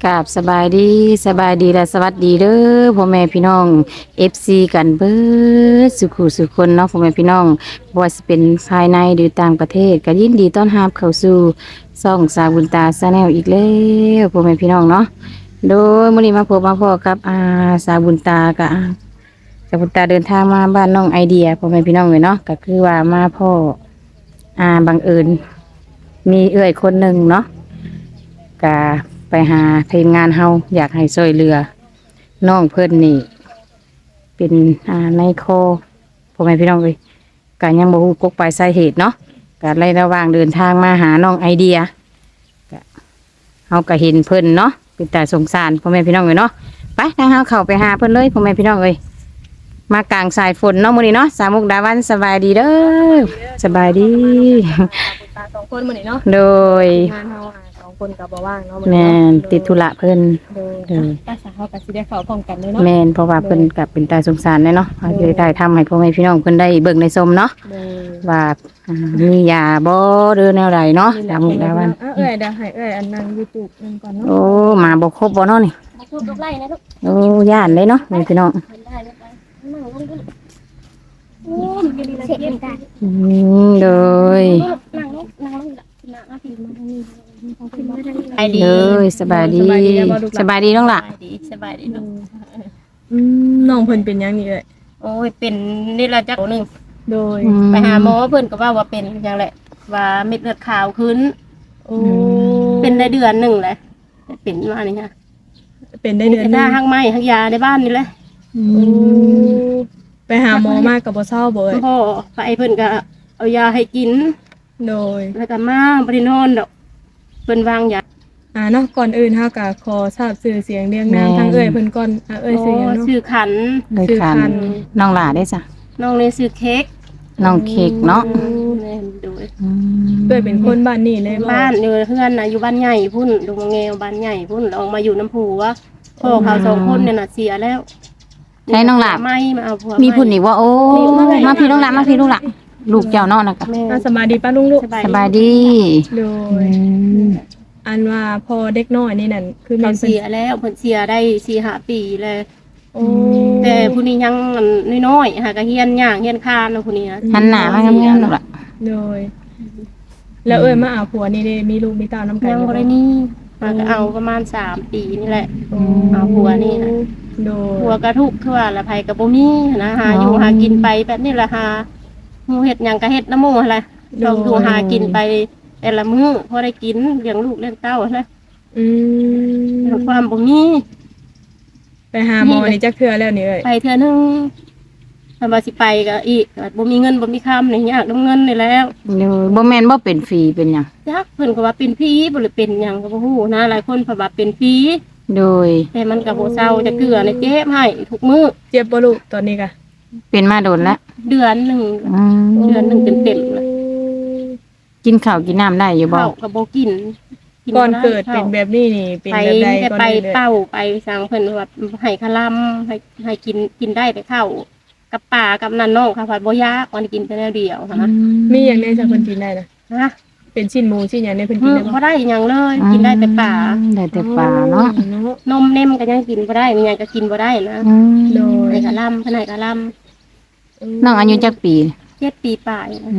กราบสบายดีและสวัสดีเด้อพ่อแม่พี่น้อง FC กันเบิดสุขุสุขคนเนาะพ่อแม่พี่น้องบ่ว่าสิเป็นภายในหรือต่างประเทศก็ยินดีต้อนรับเข้าสู่ช่องสาวบุญตาชาแนลอีกแล้วพ่อแม่พี่น้องเนาะโดยมื้อนี้มาพบมาพอกับสาวบุญตากับสาวบุญตาเดินทางมาบ้านน้องไอเดียพ่อแม่พี่น้องเลยเนาะก็คือว่ามาพ่อบังเอิญมีเอื้อยคนหนึ่งเนาะก็ไปหาทีมงานเฮาอยากให้ช่วยเหลือน้องเพิ่นนี่เป็นในคอพ่อแม่พี่น้องเลยก็ยังบ่ฮู้กกไปลายสาเหตุเนาะก็เลยระหว่างเดินทางมาหาน้องไอเดียก็เฮาก็เห็นเพิ่นเนาะเป็นตาสงสารพ่อแม่พี่น้องเลยเนาะไปทางเฮาเข้าไปหาเพิ่นเลยพ่อแม่พี่น้องเลยมากลางสายฝนเนาะมื้อนี้เนาะสาวมุกดาวันสบายดีเด้อสบายดีตาสองคนมื้อนี้เนาะโดยงานเฮาสองคนก็บ่ว่างเนาะแม่นติดธุระเพิ่นโดยภาษาเฮาก็สิได้เข้าพร้อมกันเลยเนาะแม่นเพราะว่าเพิ่นกับเป็นตาสงสารเนาะเขาจะได้ทำให้พ่อแม่พี่น้องเพิ่นได้เบิ่งในชมเนาะโดยว่ามียาบ่หรือแนวใดเนาะตามมุกดาวันเอ้ยเดี๋ยวให้เอ้ยอันนั่ง YouTube นึงก่อนเนาะโอ้มาบ่ครบบ่เนาะนี่มาพูดลูกไล่นะลูกโอ้ย่านเลยเนาะแม่พี่น้องได้ลูกไปนั่งลงดิโอ้มันก็ดีละเจ็บได้โดยนั่งลงนั่งพี่มาทางนี้ต้องขึ้นมาทางนี้เลยสบายดีสบายดีน้องล่ะสบายดีลูกน้องเพิ่นเป็นยังนี่เอ้ยโอ้ยเป็นนี่ละจักหนึ่งโดยไปหาหมอเพิ่นก็ว่าเป็นอย่างแหละ ว่าเม็ดเลือดขาวขึ้นโอ้เป็นได้เดือนหนึ่งเลยเป็นมานี่ค่ะเป็นได้เดือนนึถ้าง ห้างไม้ห้างยาในบ้านนี่แหละโอ้ไปหาหมอมากก็บ่เศร้าบ่เอ้ยพ่อไปเพิ่นก็เอายาให้กินโดยแล้วก็มาบ่ได้นอนดอกเพิ่นวางยาเนาะก่อนอื่นเฮาก็ขอทราบชื่อเสียงเรียงนามทางเอ้ยเพิ่นก่อนเอ้ยชื่อหยังเนาะชื่อขันเลยคันคือคันน้องล่ะได้จ้ะน้องเลยชื่อเค้กน้องเค้กเนาะแม่นดูเอ้ยเป็นคนบ้านนี่เลยบ่บ้านอยู่เพื่อนน่ะอยู่บ้านใหญ่พุ่นดงมะแงวบ้านใหญ่พุ่นแล้วออกมาอยู่น้ำผูวพ่อเขาสองคนเนี่ยน่ะเสียแล้วใช้น้องล่ะไม่มาเอาผัวมีพุ่นอีกว่าโอ้มาพี่น้องล่ะมาพี่ลูกล่ะลูกเจ้าเนาะนะกะแม่สบายดีป้าลุงลูกสบายดีโดยอันว่าพอเด็กน้อยนี่นั่นคือเขานเสียแล้วเพิ่นเสียได้4-5 ปีเลยโอ้แต่ผู้นี้ยังน้อยๆหากะเฮียนย่างเฮียนคานเนาะผู้นี้นะหันหน้ามางามๆลูกล่ะโดย แล้วเอ้ยมาเอาผัวนี่ได้มีลูกมีเต้าน้ำกันยังบ่ได้นี่มาก็เอาประมาณ3 ปีนี่แหละโอ้เอาผัวนี่นะโดยผัวก็ทุกข์คือว่าละภัยก็บ่มีนะหาอยู่หากินไปแบบนี้ล่ะหาหมู่เฮ็ดหยังก็เฮ็ดน้ำหมู่หั่นล่ะต้องอยู่หากินไปแต่ละมื้อพอได้กินเลี้ยงลูกเลี้ยงเต้าหั่นล่ะอืมความบ่มีไปหาหมอนี่จักเทื่อแล้วนี่เอ้ยไปเทื่อนึงถ้าว่าสิไปก็อีกก็บ่มีเงินบ่มีคำนี่ยากนํเงินนี่แล้วเดี๋ยวบ่แม่นบ่เป็นฟรีเป็นหยังจักเพิ่นก็ว่าเป็นผีบ่หรือเป็นหยังก็บ่ฮู้นะหลายคนเพิ่นว่าเป็นผีโดยแต่มันก็บ่เศร้าจะเกลือในเจ็บให้ทุกมื้อเจ็บบ่ลูกตอนนี้กะเป็นมาโดนแล้วเดือนหนึง เดือนหนึ่งเต็มๆเลยกินข้าวกินน้ำได้อยู่บ่ข้าวก็บ่กินก่อนเกิดเป็นแบบนี้นี่เป็นไปแบบใดแต่ก่อนไปนี้เลยเป้าไปสั่งเพิ่นว่าให้คลำให้กินได้แต่ข้าวกับป่ากับนั่นน้องค่ะผัดบ่ยากวันกินแต่แนวเดียวค่ะมีอย่างในจากเพิ่นกินได้นะนะเป็นชิ้นหมูชิ้นหยังในเพิ่นกินได้บ่ได้หยังเลย กินได้แต่ป่าได้แต่ป่าเนาะเนาะนมเนมก็ยังกินบ่ได้มีหยังก็กินบ่ได้นะโดยให้คลำเพิ่นให้คลน้องอายุจักปีำ7 ปีปลายนะ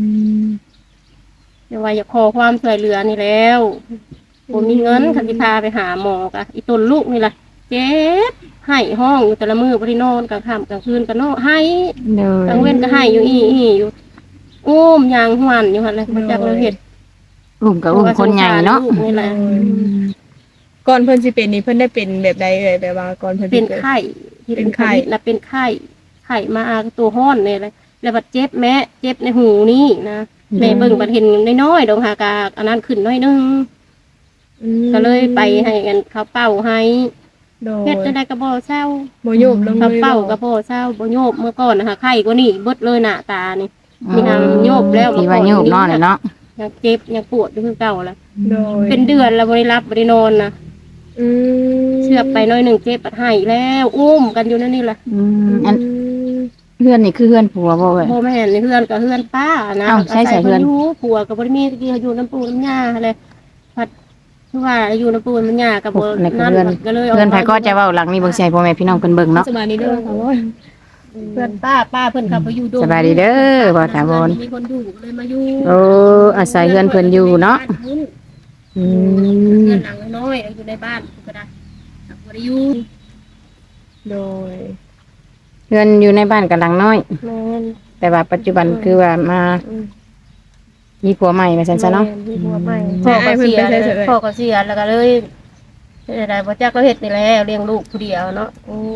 เดี๋ยวว่าอยากขอความช่วยเหลือนี่แล้วบ่มีเงินคันสิพาไปหาหมอกะอีต้นลูกนี่ล่ะเจ็บให้ห้องอยู่แต่ละมื้อบ่ได้นอนกลางค่ำกลางคืนก็นอนให้โดยกลางเว้นก็ให้อยู่อีอยู่อุ้มยางหวนอยู่หั่นแหละมาจากเราเฮ็ดอุ้มกับอุ้มคนใหญ่เนาะลูกนี่แหละก่อนเพิ่นสิเป็นนี่เพิ่นได้เป็นแบบใดเอ่ยแบบว่าก่อนเพิ่นเป็นกิดไข้ที่เป็นไข้น่ะเป็นไข้มาตัวร้อนนี่เลยแล้วบัดเจ็บแม่เจ็บในหูนี่นะแม่เบิ่งบัดเห็นน้อยๆดอกหากาอันนั้นขึ้นน้อยนึงอืมก็เลยไปให้กันเขาเป่าให้โดยเฮ็ดจังได๋ก็บ่เศร้าบ่โยบลงเลเขายเป่าก็บ่เศร้าบ่โยบเมื่อก่อนนะคะไข้กว่านี้เบิดเลยหน้าตานี่มีทางโยบแล้วที่ว่าโยบเนาะเนาะยังเจ็บยังปวดอยู่คือเก่าแล้วโดยเป็นเดือนแล้วบ่ได้รับบ่ได้นอนนะอืมเชือกไปหน้อยหนึงเจ็บปัดให้แล้วอุ้มกันอยู่นั่นนี่แหละอันเพื่อนนี่คือเพื่อนผัวบ่เว้ยพ่อแม่นี่เฮือนกับเฮือนป้านะอ้าวใช่ใส่เฮือนอาศัยพิ่อยู่ผัวก็บ่ได้มีที่อยู่น้ำปูน้ำยาอะไรพัดคือว่าอยู่ในปูนมันยากกับบ่ในนั่นเพื่อนก็เลยเพื่อนไผก็จะเว้าหลังนี้เบิ่งสิให้พ่อแม่พี่น้องเพิ่นเบิ่งเนาะสบายดีเด้อค่ะว่าเพื่อนป้าเพิ่นขับไปอยู่โดมสบายดีเด้อบ่ถาวรมีคนอยู่ก็เลยมาอยู่โอ้อาศัยเฮือนเพิ่นอยู่เนาะอืมเพื่อนหลังน้อยอยู่ในบ้านก็ได้บ่ได้อยู่โดยเฮือนอยู่ในบ้านกับหลังน้อยแม่นแต่ว่าปัจจุบันคือว่ามามีผัวใหม่ว่าซั่นซะเนาะมีผัวใหม่พ่อก็เสียแล้วก็เลยได้บ่จักเราเฮ็ดนี่แหละเลี้ยงลูกผู้เดียวเนาะ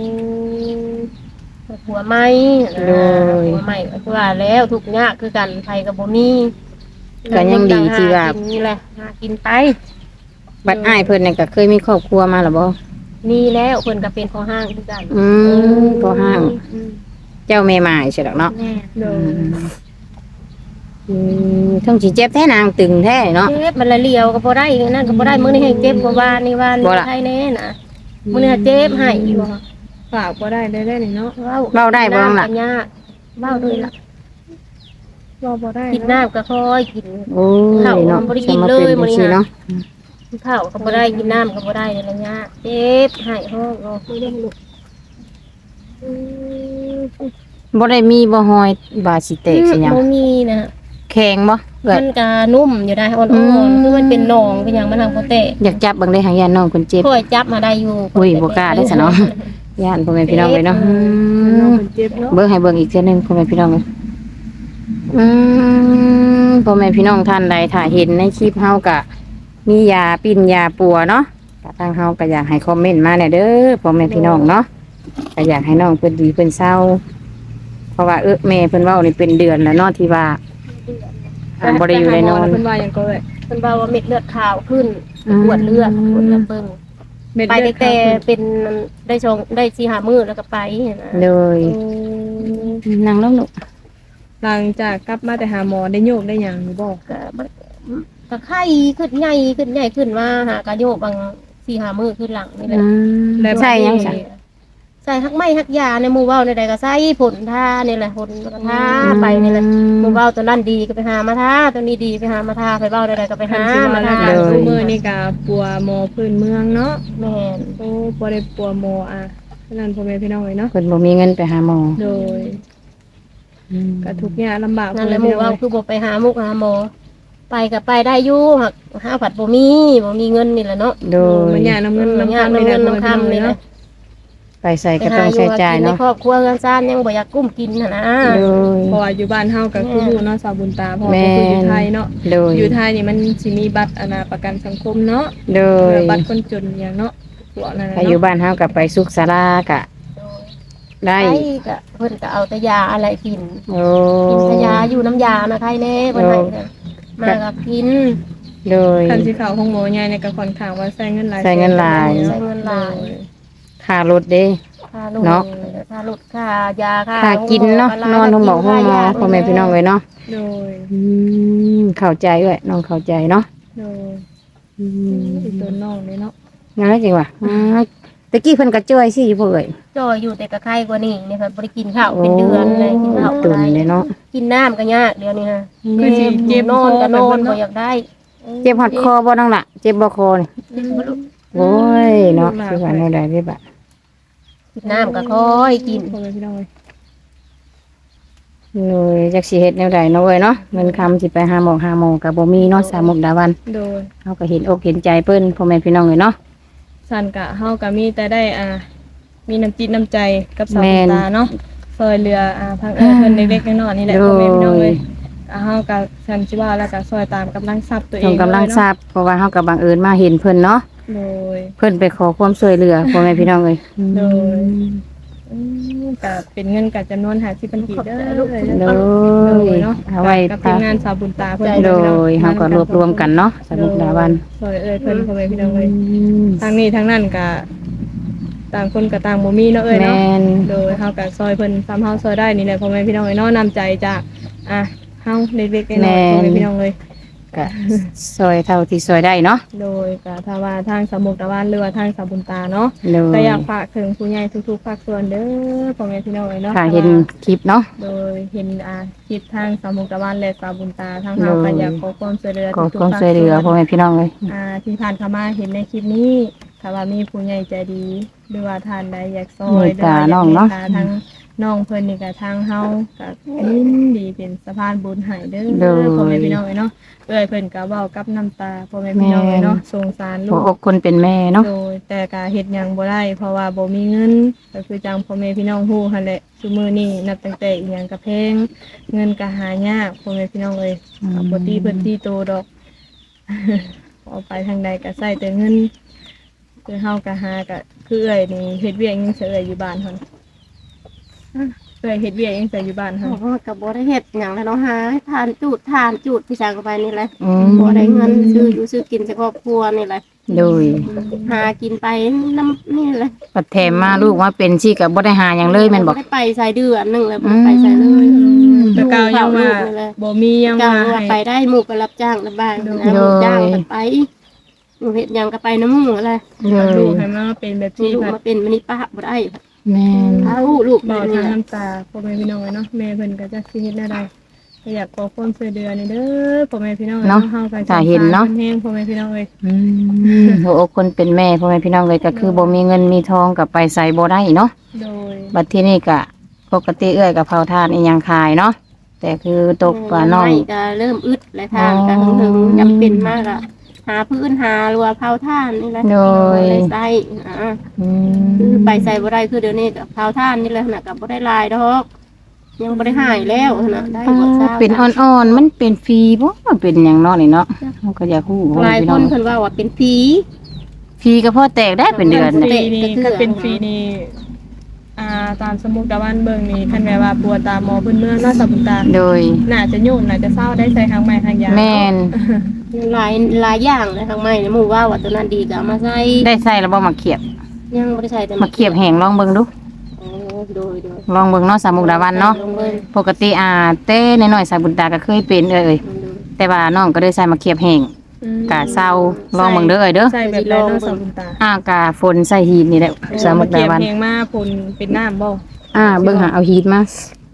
ผัวใหม่ผัวใหม่ก็ว่าแล้วทุกข์ยากคือกันไผก็บ่มีก็ยังดีที่ว่านี่แหละหากินไปบัดอ้ายเพิ่นนี่ก็เคยมีครอบครัวมาแล้วบ่มีแล้วเพิ่นก็เป็นพ่อห้างคือกันพอห้าง เจ้าแม่หมายใช่ดอกเนาะแม่โดยทั้งสิเจ็บแท้นางตึงแท้เนาะเจ็บมันละเลียวก็บ่ได้นั่นก็บ่ได้มื้อนี้ให้เจ็บกว่านี่ว่านี่บ่ล่ะไทยแน่น่ะมื้อนี้เจ็บให้อยู่ฝากบ่ได้ได้นี่เนาะเว้าได้บ่น้องล่ะยากเว้าด้วยล่ะว่าบ่ได้กินน้ำก็ค่อยกินโอ้ยข้าวเนาะบ่ได้กินสมาเลยเป็นมื้อนี้จังซี่นะเนาะข้าวก็บ่ได้กินน้ำก็บ่ได้เลยละยากเจ็บให้ห้องเราไม่ได้ลูกบ่ได้มีบ่หอยบาสิเตกสิหยังบ่มีนะแข็งบ่เกิดมันก็นุ่มอยู่ได้อ่อนๆคือมันเป็นหนองเป็นหยังมันทางบ่แตะอยากจับเบิ่งได้หางยานน้องเพิ่นเจ็บค่อยจับมาได้อยู่อุ้ยบ่กล้าได้ซะเนาะย่านพ่อแม่พี่น้องเลยเนาะน้องเพิ่นเจ็บเนาะเบิ่งให้เบิ่งอีกเทื่อหนึงพ่อแม่พี่น้องเลยพ่อแม่พี่น้องท่านใดถ้าเห็นในคลิปเฮาก็มียาปิ้นยาปัวเนาะก็ทางเฮาก็อยากให้คอมเมนต์มาแหน่เด้อพ่อแม่พี่น้องเนาะก็อยากให้น้องเพิ่นดีเพิ่นเศร้า เพราะว่าแม่เพิ่นเว้านี่เป็นเดือนแล้วเนาะที่ว่าบ่ได้อยู่ได้นอนเพิ่นว่าหยังก็เลยเพิ่นว่าเม็ดเลือดขาวขึ้นปวดเลือดเบิ่งเม็ดไปเลือดแต่เป็นได้ชงได้4-5มื้อแล้วก็ไปนะเลยนั่งลงลูกหลังจากกลับมาแต่หาหมอได้โยกได้หยังหรือบ่ก็ไข้ขึ้นใหญ่ขึ้นว่าหากระโยกบาง4-5มื้อขึ้นหลังนี่แหละใช่ยังจ้ะใส่ฮักไม้ฮักยาในหมู่เว้าในใดก็ใส่ผลท่านี่แหละผลก็ท่าไปนี่แหละหมู่เว้าตัวนั้นดีก็ไปหามาท่าตัวนี้ดีไปหามาท่าไปเว้าใดๆก็ไปคันหาสิมาว่าแล้วท่าก็ซุมื้อนี่ก็ปัวหมอพื้นเมืองเนาะแม่นโอ้บ่ได้ปัวหมอฉะนั้นพ่อแม่พี่น้องเอ้ยเนาะเพิ่นบ่มีเงินไปหาหมอโดยก็ทุกข์ยากลำบากนั่นแหละหมู่เว้าคือบ่ไปหามุกหาหมอไปก็ไปได้อยู่หักหาผัดบ่มีเงินนี่แหละเนาะโดยมันยากน้ำเงินน้ำยากคำน้ำเงินน้ำนี่คำนี่แหละไปใส่ก็ต้องใช้จ่ายในเนาะครอบครัวเงินซ่านยังบ่อยากกุ้มกินนะโดยเพราะว่าอยู่บ้านเฮาก็คืออยู่เนาะสาวบุญตาเพราะแม่ว่าคืออยู่ไทยเนาะโดยอยู่ไทยนี่มันสิมีบัตรประกันสังคมเนาะโดยบัตรคนจนอย่างเนาะพวกนั้นน่ะถ้าอยู่เนาะบ้านเฮาก็ไปสุขศาลากะ ได้ไปก็เพิ่นก็เอาแต่ยาอะไรกินโอ้กินแต่ยาอยู่น้ำยานะใครแน่เพิ่นให้น่ะมาก็กินโดยคันสิเข้าห้องหมอใหญ่เนี่ยก็ค่อนข้างว่าใช้เงินหลายใช้เงินหลายใช้เงินหลายค่ารถเด้ค่าลูกเนาะค่าลูกค่ายาค่าค่ากินเนาะนอนห้องหมอห้องหมอพ่อแม่พี่น้องเลยเนาะโดยเข้าใจด้วยน้องเข้าใจเนาะโดยอีตัวน้องเลยเนาะงั้นแล้วจริงว่ะตะกี้เพิ่นก็จ่อยสิพ่อเอ้ยจ่อยอยู่แต่ก็ไข้กว่านี้นี่ค่ะบ่ได้กินข้าวเป็นเดือนเลยกินข้าวตุ่บ่นได้เลยเนาะกินน้ำก็ยากเดี๋ยวนี้ฮะคือสิเจ็บนอนก็นอนคบ่ออยากได้เจ็บหัดคอบ่น้องล่ะเจ็บบ่คอนี่เจ็บบ่ลูกโอ้ยเนาะสิว่าแนวใดเด้บะกินน้ำก็ค่อยกินพ่อแม่พี่น้องเลยโอ้ยจักสิเฮ็ดแนวใดเนาะเว้ยเนาะเงินคำสิไปหาหมอก็บ่มีเนาะสามมุกดาวันโดยเฮาก็เห็นอกเห็นใจเพิ่นพ่อแม่พี่น้องเลยเนาะสันกะเฮาก็มีแต่ได้มีน้ำจิตน้ำใจกับสาวแม่บุญนตาเนาะซอยเรือพังเพิ่นเล็กๆน้อยๆนี่แหละโดยพ่อแม่พี่น้องเลยเฮาก็สันสิว่าแล้วก็ซอยตามกำลังทรัพย์ตัวเอส่งงกำลังเลยเนาะทราบเพราะว่าเฮาก็บังเอิญมาเห็นเพิ่นเนาะโดยเพิ่นไปขอความช่วยเหลือพ่อแม่พี่น้องเลยโดย ก็เป็นเงินกับจำนวน50,000กีบเด้อโดโดยยเนาะเอาไว้กับทีมงานสาวบุญตาเพิ่นโดยเฮาก็รวบรวมกันเนาะสมุกดาวันซอยเพิ่นพ่อแม่พี่น้องเลยทางนี้ทางนั้นก็ต่างคนก็ต่างบ่มีเนาะเนาะแม่นโดยเฮาก็ซอยเพิ่นซ้ำเฮาซอยได้นี่แหละพ่อแม่พี่น้องเนาะนำใจจากเฮาเล็กๆน้อยๆพ่อแม่พี่น้องเลยก็ซอยเท่าที่ซอยได้เนาะโดยก็ถ้าว่าทางสมุทรตะวันหรือว่าทางสาบุญตาเนาะโดก็ยอยากฝากถึงผู้ใหญ่ทุกๆภาคส่วนเด้อพ่อแม่พี่น้องเนาะถ้าเห็นคลิปเนาะโดยเห็นคลิปทางสามุทรตะวันและสาบุญตาทางเฮาก็อยากขอความช่วยเหลือขอทุกความๆภาคช่วยเหลือพ่อแม่พี่น้องเลยที่ผ่านเข้ามาเห็นในคลิปนี้ถ้าว่ามีผู้ใหญ่ใจดีหรือว่าท่านใดอยากซอยหรือว่าอยากเมตตาทางน้องเพิ่นนี่ก็ทางเฮาก็ยินดีเป็นสะพานบุญให้เด้อพ่อแม่พี่น้องเนาะเอ้ยเพิ่นก็เว้ากับน้ำตาพ่อแม่พี่น้องเนาะสงสารลูหัวกอกคนเป็นแม่เนาะโดยแต่ก็เฮ็ดหยังบ่ได้เพราะว่าบ่มีเงินก็คือจังพ่อแม่พี่น้องฮู้หั่นแหละซุมื้อนี้นับตั้งแต่อีหยังก็แพงเงินก็หายากพ่อแม่พี่น้องเอ้ยก็บ่ตีเพิ่นตีโตดอก เอาไปทางใดก็ใช้แต่เงินคือเฮาก็หาก็คือเอ้อยนี่เฮ็ดเวียกยังเสยอยู่บ้านหั่นเอ้อยเฮ็ดเวียกยังเสยอยู่บ้านหั่นโอ้ก็บ่ได้เฮ็ดหยังแล้วเนาะหาทานจูดพี่ชางก็ไปนี่แหละอืมบ่ได้เงินซื้ออยู่ซื้อกินจากครอบครัวนี่แหละโดยหากินไปน้ำนี่แหละปัดแถมมาลูกว่าเป็นสิก็บ่ได้หาหยังเลยแม่นบ่ได้ไปใส่เดือนหนึงแล้วบ่ได้ไปใส่เลยแต่เก่ายังว่าบ่มียังจ้างว่าว่าให้ไปได้หมู่ก็รับจ้างระบายนะโดยหมู่จ้างก็ไปหมู่เฮ็ดหยังก็ไปน้ำหมู่อะไรโดลูกยให้มาเป็นแบบที่ที่ลูกแบบมาเป็นมณีป้าบ่ได้แม่นเอาลูกบแบอบ กนี้ทางแหละน้ำตาพ่อแม่พี่น้องเนาะแม่เพิ่นก็จะสิเฮ็ดได้ก็อยากขอความช่วยเหลือนี่เด้อพ่อแม่พี่น้องเฮาก็สงสารเพิ่นแฮงพ่อแม่พี่น้องเอ้ยอืมหัวอกคนเป็นแม่พ่อแม่พี่น้องเลยก็คือบ่มีเงินมีทองก็ไปใส่บ่ได้เนาะโดยบัดที่นี่ก็ปกติเอื้อยกับเผาทานอีหยังขายเนาะแต่คือตกปลาน้องไม่ก็เริ่มอึดและทางก็ถึงจำเป็นมากอะหาพื้นหารัวเผาท่านนี่แหละโดยเลยใส่อืคือมไปใส่บ่ได้คือเดี๋ยวนี้กับเผาท่านนี่แหละนะกับบ่ได้ลายดอกยังบ่ได้หายแล้วนะได้บ่ทราบเป็นอ่อนๆมันเป็นฟรีบ่เป็นหยังเนาะนี่เนาะเราก็อยากฮู้พ่อหแม่ลายพี่คน้องนเพิ่นว่าว่าเป็นผีฟรีก็พอแตกได้เป็นเดือนฟน่ะรีนี่ก็เป็นฟรีนี่ตามสมุกตะวันเบิ่งนี่คันแม่ว่าปวดตาหมอเพิ่นเมื่อเนาะสาบุญตาโดยน่าจะยุ่งน่าจะเศร้าได้ใส่ทางไม้ทางยาแม่นหลายอย่างเลยทางไม้เนี่ยหมู่ว่าว่าตัวนั้นดีก็เอามาใส่ได้ใส่แล้วบ่มาเขียบยังบ่ได้ใส่แต่มาเขียบแห้งลองเบิ่งดูโอ้โดยลองเบิ่งเนาะสามมุกดาวันเนาะลงเลยปกติเต้น้อยๆสายบุญตาก็เคยเป็นเอ้ยแต่ว่าน้องก็ได้ใส่มาเขียบแห้ง กะเศร้าลองเบิ่งเด้อเอ้ยเด้อใส่แบบไรเนาะสาบุญตากะฝนใส่หีดนี่แหละสามมุกดาวันเพียงมาผลเป็นน้ำบ่เบิ่งหาเอาหีดมา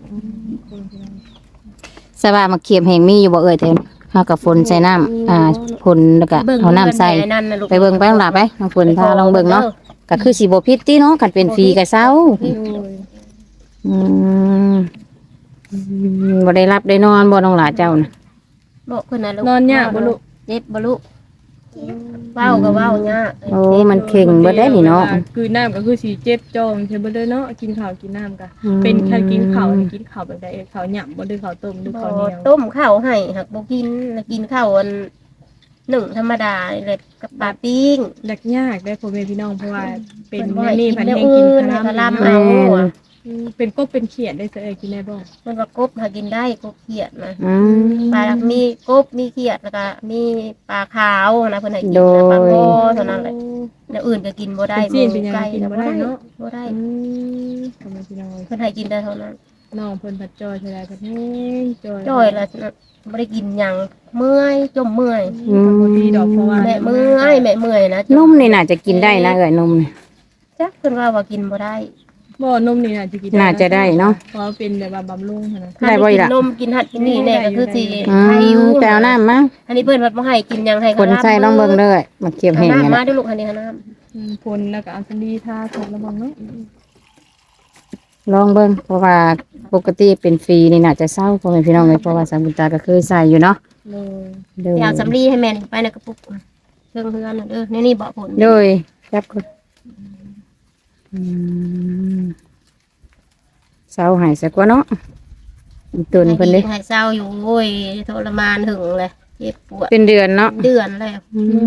สบายมาเขียบแห้งมีอยู่บ่เอ้ยแต่เฮากับฝนใส่น้ำฝนแล้วก็เอาน้ำใส่ไปเบิ่งไปลองหลับไปน้องฝนพาลองเบิ่งเนาะก็คือสิบ่ผิดติเนาะคันเป็นฟรีก็เศร้าโดยอืมบ่ได้รับได้นอนบ่น้องหลาเจ้าน่ะบอกเพิ่นน่ะลูกนอนยากบ่ลูกเจ็บบ่ลูกเว้าก็เว้ายากโอ้มันเข่งเบิดได้นี่เนาะคือน้ำก็คือสีเจ็บจอมใช่บ่เลยเนาะกินข้าวกินน้ำก็อืมเป็นแค่กินข้าวนี่กินข้าวแบบใดข้าวหยำบ่หรือข้าวต้มหรือข้าวเหนียวต้มข้าวให้หักบ่กินแล้วกินข้าวอันหนึ่งธรรมดานี่แหละกับปลาปิ้งยากได้พ่อแม่พี่น้องเพราะว่าเป็นบ่แม่ให้นี่กิพันแนวแห้งอื่กินนคาให้ราคลำเอาอะเป็นกบเป็นเขียดได้เสยกินได้บ่มันว่ากบหากินได้กบเขียดนะอืมปลามีกบมีเขียดแล้วก็มีปลาขาวนะเพิ่นให้กินโดยนะปลาโง่เท่านั้นแหละแล้วอื่นก็กินบ่ได้เป็นจีนเป็นหยังไก่กินบ่ได้เนาะบ่ได้พ่อแม่พี่น้องเพิ่นให้กินได้เท่านั้นน้องเพิ่นผัดจอยเท่าใดก็แห้งจอยจ้อยแล้วบ่ได้กินหยังเมื่อยจมเมื่อยบ่ดีดอกเพราะว่าแม่เมื่อยนะนมนี่น่าจะกินได้นะเอ้ยนมนี่จักเพิ่นว่ากินบ่ได้บ่นมนี่น่าจะกินน่าจะได้เนาะเพราะเป็นแบบว่าบำรุงหั่นนะได้บ่อีกล่ะกินนมกินหัดกินนี่แน่ก็คือสิอืให้อยู่มแปลวน้ำมาอันนี้เพิ่นว่าบ่ให้กินหยังให้คนใส่ลองเบิ่งเด้อมาเก็บให้แห้งน้ำกันมานะด้วยลูกอันนี้น้ำพลแล้วก็เอาสันดีทาถูกระวังเนาะลองเบิ่งเพราะว่าปกติเป็นฟรีนี่น่าจะเศร้าพ่อแม่พี่น้องเลยเพราะว่าสามบุญตาก็เคยใส่อยู่เนาะเลยโดยอยากสำลีให้แม่นไปในกระปุกเครื่องเฮือนน่ะเด้อนี่เบาะผลโดยจับคนอืมเศร้าหายสักว่าเนาะอีตุนเพิ่นเด้ให้เศร้าอยู่โอ้ยทรมานถึงเลยเจ็บปวดเป็นเดือนเนาะเดือนแล้ว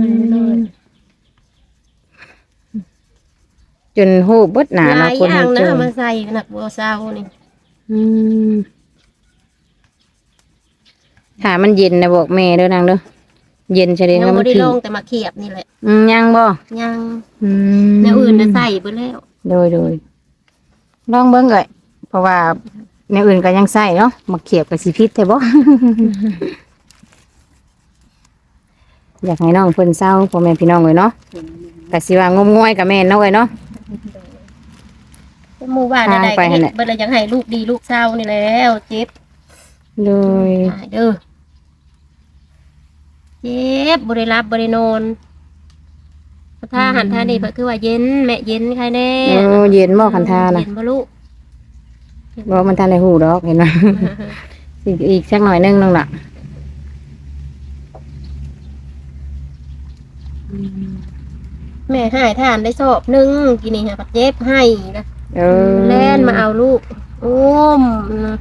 จนหูเบิดหนาหเนาะลายคนอย่างเฮาเจนะอเอามาใส่หนักบัวเศร้านี่อืมถ้ามันเย็นนะบอกแม่เด้อนางเด้อเย็นใช่เด้ยังแล้วมัไม่นได้ขี้ลงแต่มาเขียบนี่แหละยังบ่ยังอืมแนวอื่นจะใส่ไปแล้วโดยลองเบิ่งเลยเพราะว่าในอื่นก็ยังใส่เนาะมาเขียบกับสิพิษแท้บ่อยากให้น้องเพิ่นเศร้าพ่อแม่พี่น้องเลยเนาะก็สิว่างมงวยกับแม่นเนาะเอ้ยเนาะหมู่บ้านใดๆไปก็หั่เฮ็นดแหละเบิดแล้วยังให้ลูกดีลูกเศร้านี่แหล้วเจ็บโดยตายเด้อเจ็บบ่ได้รับบ่ได้นอนถ้าหันท่านี่ก็คือว่าเย็นแม่เย็นใครแน่โอ้เย็นบ่คันทาน่ะเย็นบ่ลูกบ่มันทันได้ฮู้ดอกเห็นบ่ อีกสักหน่อยนึงน้องล่ะแม่ให้ทานได้สอบหนึงกินนี่ฮะก็เจ็บให้นะเออแล่นมาเอาลูกอุ้มนะ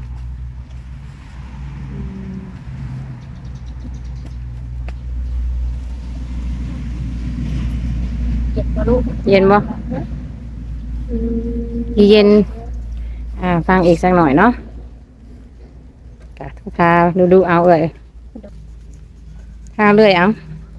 เจ็บบ่ลูกเย็นบ่อีเย็นฟังอีกสักหน่อยเนาะกะทาดูเอาเอ้ยทาเรื่อยเอา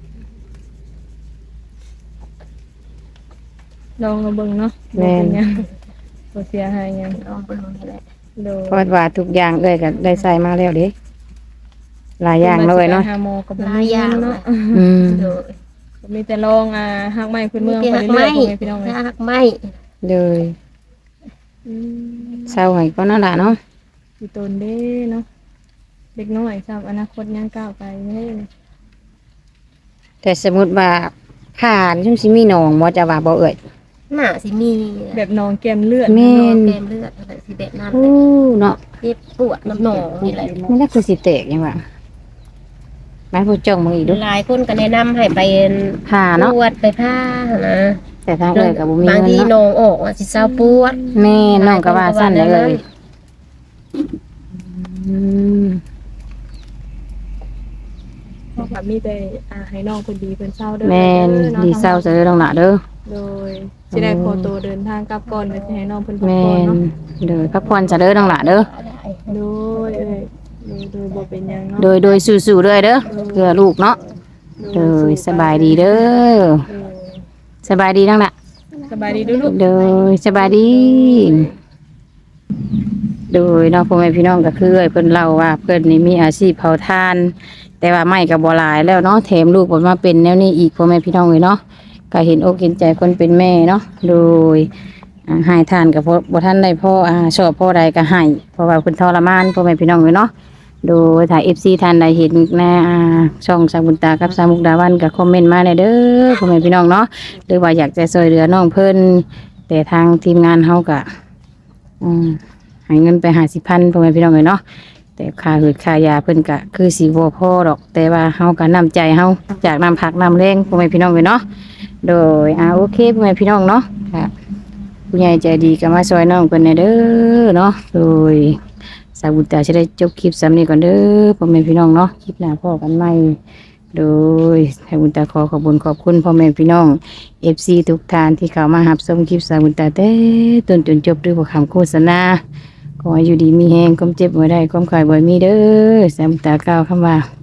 ลองมาเบิ่งเนาะแม่นเป็นหยังบ่เสียหายหยังลองเบิ่งนี่แหละโดยเพราะว่าทุกอย่างเอ้ยก็ได้ใส่มาแล้วเด้หลายอย่างเลยเนาะไปหาหมอก็บ่หลายมีอย่างเนาะอืมโดยก็มีแต่ลองหักไม้พื้นเมืองมีไปหักเรื่ไม้อยๆพ่อแม่พี่น้องเอ้ยหักไม้เลยอืมเศร้าให้ก็นั่นล่ะเนาะสิตนเด้เนาะเด็กน้อยครับอนาคตยังก้าวไปเด้แต่สมมุติว่าผ่านช่วงสิมีหนองบ่จะว่าบ่เอ่ยหน้าสิมีแบบนองแก้มเลือดแม่นอนเต็มเลือดอะไรสิแบบนั้นโอ้เนาะเจ็บปวดน้ำหนองนี่แหละนี่แหละคือสิแตกยังว่าไม้ผู้จ้องมึงอีกดูหลายคนก็แนะนำให้ไปผ่าเนาะปวดไปผ้านะแต่ทางเอ่ยก็บ่มีบางเงินทีหนเนาะองออกว่าสิเศร้าปวดแม่น้องก็ว่าสั้นได้เลยอืมครับมีแต่ให้น้องคนดีเพิ่นเศร้าเด้อแม่นด้อดีเศร้าซะเด้อน้องหล่ะเด้อโดยสิได้ขอตัวเดินทางกลับก่อนเดี๋ยวสิให้น้องเพิ่นพักแม่ผ่อนนเนาะเด้อพักผ่อนซะเด้อน้องหล่ะเด้อโดยโดยบ่เป็นหยังเนาะโดยสู้ๆเด้อเด้อเพื่อลูกเนาะเด้อสบายดีเด้อโดยสบายดีน้องหล่ะสบายดีเด้วยลูกโดยสบายดี โดยเน้องพ่อแม่พี่น้องก็คือเพิ่นเล่าว่าเพิ่นนี่มีอาชีพเผาถ่าน แต่ว่าไม่ก็บ่หลายแล้วเนาะแถมลูกเพิ่นมาเป็นแนวนี้อีกพ่อแม่พี่น้องเลยเนาะก็เห็นอกเห็นใจคนเป็นแม่เนาะโดยให้ทานกับบ่ทันได้พ่อชอบพ่อใดก็ให้เพราะว่าเพิ่นทรมานพ่อแม่พี่น้องเลยเนาะโดยถ้า FC ท่านใดเห็นในช่องสาวบุญตากับสาวมุกดาวันก็คอมเมนต์มาได้เด้อพ่อแม่พี่น้องเนาะหรือว่าอยากจะช่วยเหลือน้องเพิ่นแต่ทางทีมงานเฮาก็ให้เงินไป50,000พ่อแม่พี่น้องเลยเนาะแต่ค่าหืดค่ายาเพิ่นก็คือสิบ่พอดอก แต่ว่าเฮาก็น้ำใจเฮาจากน้ำผักน้ำแรงพ่อแม่พี่น้องเลยเนาะโดยโอเคพ่อแม่พี่น้องเนาะค่ะผู้ใหญ่ใจดีก็มาช่วยน้องเพิ่นเด้อเนาะโดยสาวบุญตาจะได้จบคลิปซ้ำนี้ก่อนเด้อพ่อแม่พี่น้องเนาะคลิปหน้าพ่อกันใหม่โดยสาวบุญตาขอขอบคุณขอบคุณพ่อแม่พี่น้อง FC ทุกท่านที่เข้ามารับชมคลิปสาวบุญตาแต่ต้นจนจบด้วยคำโฆษณาขอให้อยู่ดีมีแฮงความเจ็บบ่ได้ความขายบ่มีเด้อสาวบุญตากล่าวคำว่า